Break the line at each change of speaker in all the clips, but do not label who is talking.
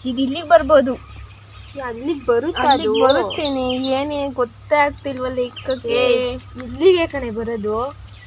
ಇದು ಇಲ್ಲಿಗೆ ಬರ್ಬೋದು.
ಅಲ್ಲಿಗೆ
ಬರುತ್ತೇನೆ. ಏನೇ ಗೊತ್ತೇ ಆಗ್ತಿಲ್ವಲ್ಲ ಇಕ್ಕಕ್ಕೆ.
ಇಲ್ಲಿಗೆ ಕಣೆ ಬರೋದು.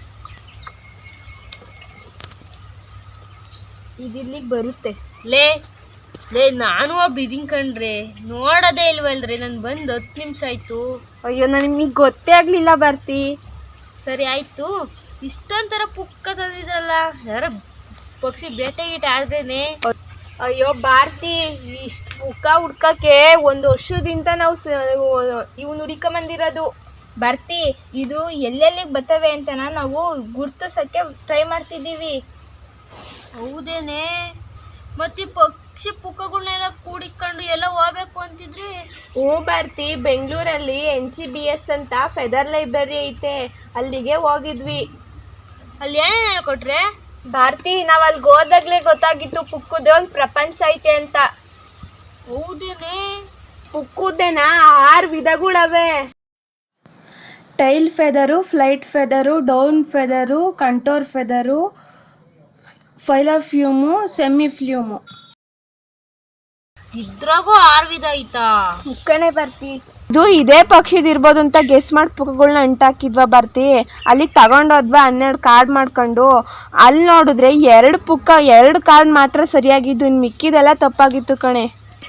ಇದು ಇಲ್ಲಿಗೆ ಬರುತ್ತೆ.
ಲೇ ನಾನು ಒಬ್ಬ ಇದೀನಿ ಕಣ್ರಿ, ನೋಡೋದೇ ಇಲ್ವಲ್ರಿ. ನಾನು ಬಂದು 10 ನಿಮಿಷ ಆಯ್ತು.
ಅಯ್ಯೋ ನಿಮಗೆ ಗೊತ್ತೇ ಆಗ್ಲಿಲ್ಲ ಬರ್ತಿ.
ಸರಿ ಆಯ್ತು. ಇಷ್ಟೊಂಥರ ಪುಕ್ಕ ತಂದಿದ್ರಲ್ಲ, ಯಾರ ಪಕ್ಷಿ ಬೇಟೆ ಗೀಟೆ ಆದ್ರೇನೆ.
ಅಯ್ಯೋ ಭಾರತಿ, ಇಷ್ಟು ಪುಕ್ಕ ಹುಡ್ಕಕ್ಕೆ 1 ವರ್ಷದಿಂದ ನಾವು ಇವ್ನು ಹುಡ್ಕೊಂಬಂದಿರೋದು.
ಬರ್ತಿ, ಇದು ಎಲ್ಲೆಲ್ಲಿಗೆ ಬರ್ತವೆ ಅಂತ ನಾವು ಗುರ್ತಿಸಕ್ಕೆ ಟ್ರೈ ಮಾಡ್ತಿದ್ದೀವಿ.
ಹೌದೇನೆ? ಮತ್ತೆ ಪಕ್ಷಿ ಪುಕ್ಕಗಳನ್ನೆಲ್ಲ ಕೂಡಿಕೊಂಡು ಎಲ್ಲ ಹೋಗ್ಬೇಕು ಅಂತಿದ್ರಿ.
ಭಾರತಿ, ಬೆಂಗಳೂರಲ್ಲಿ NCBS ಅಂತ ಫೆದರ್ ಲೈಬ್ರರಿ ಐತೆ, ಅಲ್ಲಿಗೆ ಹೋಗಿದ್ವಿ.
ಅಲ್ಲಿ ಏನೇನು ಹೇಳ್ಕೊಟ್ರೆ?
ಭಾರತಿ, ನಾವ್ ಅಲ್ಲಿಗೆ ಹೋದಾಗ್ಲೇ ಗೊತ್ತಾಗಿತ್ತು ಪುಕ್ಕುದೇ ಒಂದು ಪ್ರಪಂಚ ಐತೆ ಅಂತ.
ಹೌದೇನೆ?
ಪುಕ್ಕುದೇನ 6 ವಿಧಗಳವೆ.
Tail feather, flight feather, down feather, contour feather, filoplume, semiplume.
ಇದ್ರಾಗೂ 6 ವಿಧ ಐತಾ?
ಮುಕ್ಕಣೆ ಬರ್ತಿ.
ಇದು ಇದೇ ಪಕ್ಷಿದಿರ್ಬೋದು ಅಂತ ಗೆಸ್ ಮಾಡಿ ಪುಕ್ಕಗಳನ್ನ ಅಂಟಾಕಿದ್ವಾ ಬರ್ತಿ. ಅಲ್ಲಿಗೆ ತಗೊಂಡೋದ್ವಾ 12 ಕಾರ್ಡ್ ಮಾಡ್ಕೊಂಡು. ಅಲ್ಲಿ ನೋಡಿದ್ರೆ 2 ಪುಕ್ಕ, 2 ಕಾರ್ಡ್ ಮಾತ್ರ ಸರಿಯಾಗಿದ್ದು, ಇನ್ನು ಮಿಕ್ಕಿದೆಲ್ಲ ತಪ್ಪಾಗಿತ್ತು ಕಣೆ.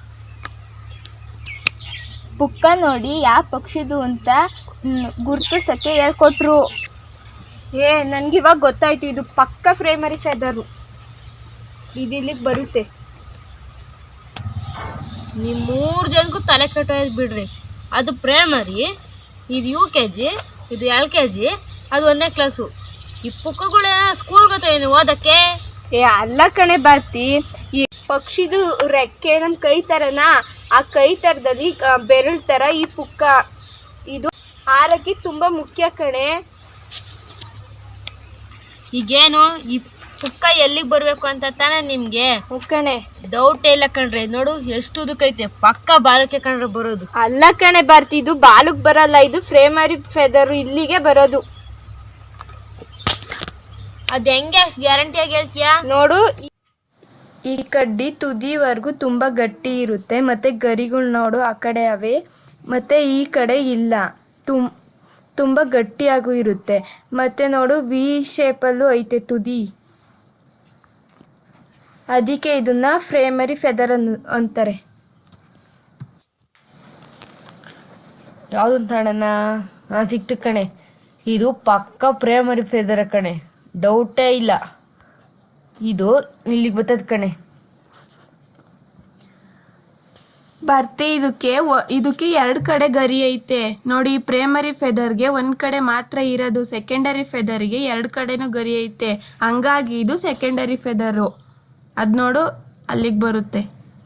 ಪುಕ್ಕ ನೋಡಿ ಯಾವ ಪಕ್ಷಿದು ಅಂತ ಗುರ್ತಿಸಕ್ಕೆ ಹೇಳ್ಕೊಟ್ರು.
ನನ್ಗಿವಾಗ ಗೊತ್ತಾಯ್ತು, ಇದು ಪಕ್ಕ ಪ್ರೈಮರಿ ಫೆದರು. ಇದು ಇಲ್ಲಿಗೆ ಬರುತ್ತೆ.
ನೀವು 3 ಜನಕ್ಕೂ ತಲೆ ಕೆಟ್ಟೋಯ್ತು ಬಿಡ್ರಿ. ಅದು ಪ್ರೈಮರಿ, ಇದು UKG, ಇದು LKG, ಅದು 1ನೇ ಕ್ಲಾಸು. ಈ ಪುಕ್ಕಗಳೇ ಸ್ಕೂಲ್ ಗೊತ್ತೇನು ಓದಕ್ಕೆ?
ಅಲ್ಲ ಕಣೆ ಬರ್ತಿ, ಈ ಪಕ್ಷಿದು ರೆಕ್ಕೆ ನಮ್ಮ ಕೈ ಥರನಾ, ಆ ಕೈ ಥರದಲ್ಲಿ ಬೆರಳು ಥರ ಈ ಪುಕ್ಕ. ಇದು ಹಾರಕ್ಕೆ ತುಂಬ ಮುಖ್ಯ ಕಣೆ.
ಈಗೇನು ಈ ಪುಕ್ಕ ಎಲ್ಲಿಗೆ ಬರಬೇಕು ಅಂತ ತಾನೇ ನಿಮಗೆ
ಕಣೆ
ಡೌಟೇ ಇಲ್ಲ ಕಣ್ರಿ. ನೋಡು ಎಷ್ಟು ಉದಕೈತೆ, ಪಕ್ಕ ಬಾಲಕ್ಕೆ ಕಣ್ರೆ ಬರೋದು.
ಅಲ್ಲ ಕಣೆ ಬರ್ತಿ, ಇದು ಬಾಲಕ್ಕೆ ಬರಲ್ಲ, ಇದು ಪ್ರೈಮರಿ ಫೆದರು, ಇಲ್ಲಿಗೆ ಬರೋದು.
ಅದು ಹೆಂಗೆ ಅಷ್ಟು ಗ್ಯಾರಂಟಿಯಾಗಿ ಹೇಳ್ತೀಯಾ?
ನೋಡು,
ಈ ಕಡ್ಡಿ ತುದಿವರೆಗೂ ತುಂಬ ಗಟ್ಟಿ ಇರುತ್ತೆ, ಮತ್ತು ಗರಿಗಳು ನೋಡು ಆ ಕಡೆ ಅವೆ, ಮತ್ತು ಈ ಕಡೆ ಇಲ್ಲ, ತುಂಬ ಗಟ್ಟಿಯಾಗೂ ಇರುತ್ತೆ. ಮತ್ತು ನೋಡು V ಶೇಪಲ್ಲೂ ಐತೆ ತುದಿ. ಅದಕ್ಕೆ ಇದನ್ನ ಪ್ರೈಮರಿ ಫೆದರ್ ಅಂತಾರೆ.
ಯಾವುದು ಅಂತಣ್ಣ? ಸಿಕ್ತು ಕಣೆ, ಇದು ಪಕ್ಕ ಪ್ರೈಮರಿ ಫೆದರ್ ಕಣೆ, ಡೌಟೇ ಇಲ್ಲ. ಇದು ಇಲ್ಲಿಗೆ ಬರ್ತದ ಕಣೆ.
ಬರ್ತಿ, ಇದಕ್ಕೆ 2 ಕಡೆ ಗರಿ ಐತೆ ನೋಡಿ. ಪ್ರೈಮರಿ ಫೆದರ್ಗೆ 1 ಕಡೆ ಮಾತ್ರ ಇರೋದು, ಸೆಕೆಂಡರಿ ಫೆದರ್ಗೆ 2 ಕಡೆನೂ ಗರಿ ಐತೆ, ಹಂಗಾಗಿ ಇದು ಸೆಕೆಂಡರಿ ಫೆದರು. ಅದು ನೋಡು ಅಲ್ಲಿಗೆ ಬರುತ್ತೆ.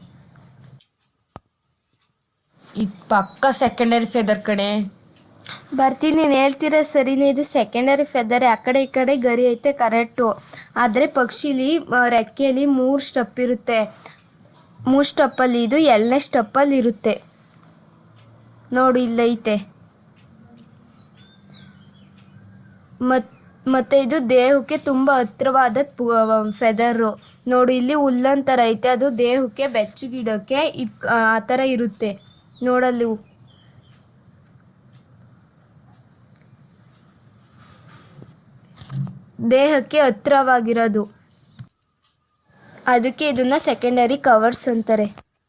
ಇದು ಪಕ್ಕ ಸೆಕೆಂಡರಿ ಫೆದರ್ ಕಣೆ.
ಬರ್ತಿ, ನೀನು ಹೇಳ್ತಿರೋ ಸರಿನೇ, ಇದು ಸೆಕೆಂಡರಿ ಫೆದರೆ. ಆ ಕಡೆ ಈ ಕಡೆ ಗರಿ ಐತೆ ಕರೆಕ್ಟು. ಆದರೆ ಪಕ್ಷಿಲಿ ರೆಕ್ಕೆಯಲ್ಲಿ 3 ಸ್ಟೆಪ್ ಇರುತ್ತೆ. 3 ಸ್ಟೆಪ್ಪಲ್ಲಿ ಇದು 2ನೇ ಸ್ಟೆಪ್ಪಲ್ಲಿ ಇರುತ್ತೆ ನೋಡು, ಇಲ್ಲೈತೆ. ಮತ್ತು ಇದು ದೇಹಕ್ಕೆ ತುಂಬ ಹತ್ತಿರವಾದ ಫೆದರು ನೋಡು. ಇಲ್ಲಿ ಹುಲ್ಲಂತರ ಐತೆ, ಅದು ದೇಹಕ್ಕೆ ಬೆಚ್ಚಗಿಡೋಕ್ಕೆ ಆ ಥರ ಇರುತ್ತೆ ನೋಡಲ್ಲಿ. ದೇಹಕ್ಕೆ ಹತ್ತಿರವಾಗಿರೋದು, ಅದಕ್ಕೆ ಇದನ್ನ ಸೆಕೆಂಡರಿ ಕವರ್ಸ್ ಅಂತಾರೆ.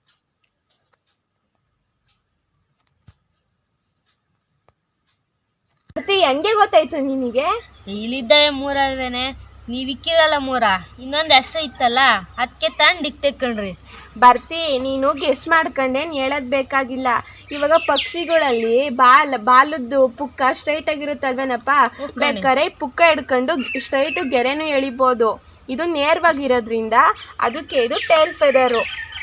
ಹೆಂಗೆ ಗೊತ್ತಾಯ್ತು ನಿನಗೆ?
ಇಲ್ಲಿದ್ದಾವೆ 3 ಅಲ್ವೇನೆ, ನೀವು ಇಕ್ಕಿರಲ್ಲ 3, ಇನ್ನೊಂದು ಅಷ್ಟು ಇತ್ತಲ್ಲ, ಅದಕ್ಕೆ ತಂಡಿಕ್ ತೆಕ್ಕೊಂಡ್ರಿ.
ಬರ್ತಿ, ನೀನು ಗೆಸ್ ಮಾಡ್ಕೊಂಡೇನು ಹೇಳೋದು ಬೇಕಾಗಿಲ್ಲ. ಇವಾಗ ಪಕ್ಷಿಗಳಲ್ಲಿ ಬಾಲದ್ದು ಪುಕ್ಕ ಸ್ಟ್ರೈಟ್ ಆಗಿರುತ್ತಲ್ವೇನಪ್ಪ, ಬೇಕಾದ್ರೆ ಪುಕ್ಕ ಹಿಡ್ಕೊಂಡು ಸ್ಟ್ರೈಟು ಗೆರೆನೂ ಎಳಿಬೋದು. ಇದು ನೇರವಾಗಿರೋದ್ರಿಂದ ಅದಕ್ಕೆ ಇದು ಟೇಲ್ ಫೆದರು.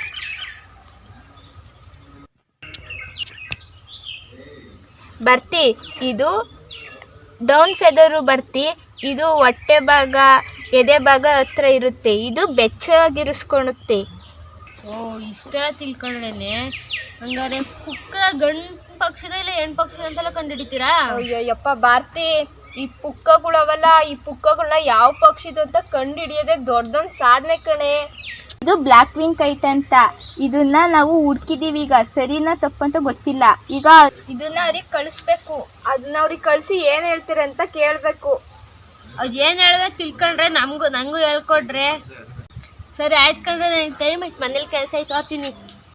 ಬರ್ತಿ, ಇದು ಡೌನ್ ಫೆದರು. ಬರ್ತಿ, ಇದು ಹೊಟ್ಟೆ ಭಾಗ, ಎದೆ ಭಾಗ ಹತ್ರ ಇರುತ್ತೆ, ಇದು ಬೆಚ್ಚಗಿರಿಸ್ಕೊಳುತ್ತೆ.
ಓ, ಇಷ್ಟೆಲ್ಲ ತಿಳ್ಕೊಂಡೇನೆ. ಹಂಗಾರೆ ಪುಕ್ಕ ಗಂಡು ಪಕ್ಷಿದ ಇಲ್ಲ ಹೆಣ್ಣು ಪಕ್ಷಿ ಅಂತೆಲ್ಲ ಕಂಡುಹಿಡಿತೀರಾ?
ಅಯ್ಯಪ್ಪ ಭಾರತಿ, ಈ ಪುಕ್ಕಗಳವಲ್ಲ, ಈ ಪುಕ್ಕಗಳನ್ನ ಯಾವ ಪಕ್ಷಿದು ಅಂತ ಕಂಡು ಹಿಡಿಯೋದೇ ದೊಡ್ಡದೊಂದು ಸಾಧನೆ ಕಣೆ.
ಇದು ಬ್ಲ್ಯಾಕ್ ವಿಂಗ್ ಕೈಟ್ ಅಂತ. ಇದನ್ನ ನಾವು ಹುಡ್ಕಿದೀವಿ ಈಗ ಸರಿನಾ ತಪ್ಪಂತ ಗೊತ್ತಿಲ್ಲ. ಈಗ ಇದನ್ನ ಅವ್ರಿಗೆ ಕಳಿಸ್ಬೇಕು.
ಅದನ್ನ ಅವ್ರಿಗೆ ಕಳಿಸಿ ಏನು ಹೇಳ್ತೀರ ಅಂತ ಕೇಳಬೇಕು.
ಅದು ಏನು ಹೇಳ್ಬೇಕು ತಿಳ್ಕೊಂಡ್ರೆ ನಂಗೂ ಹೇಳ್ಕೊಡ್ರೆ. ಸರಿ ಆಯ್ತು ಕಂಡ್ರೆ ನನಗೆ ಟೈಮ್ ಆಯ್ತು, ಮನೇಲಿ ಕೆಲಸ ಆಯ್ತು, ಹೋಗ್ತೀನಿ.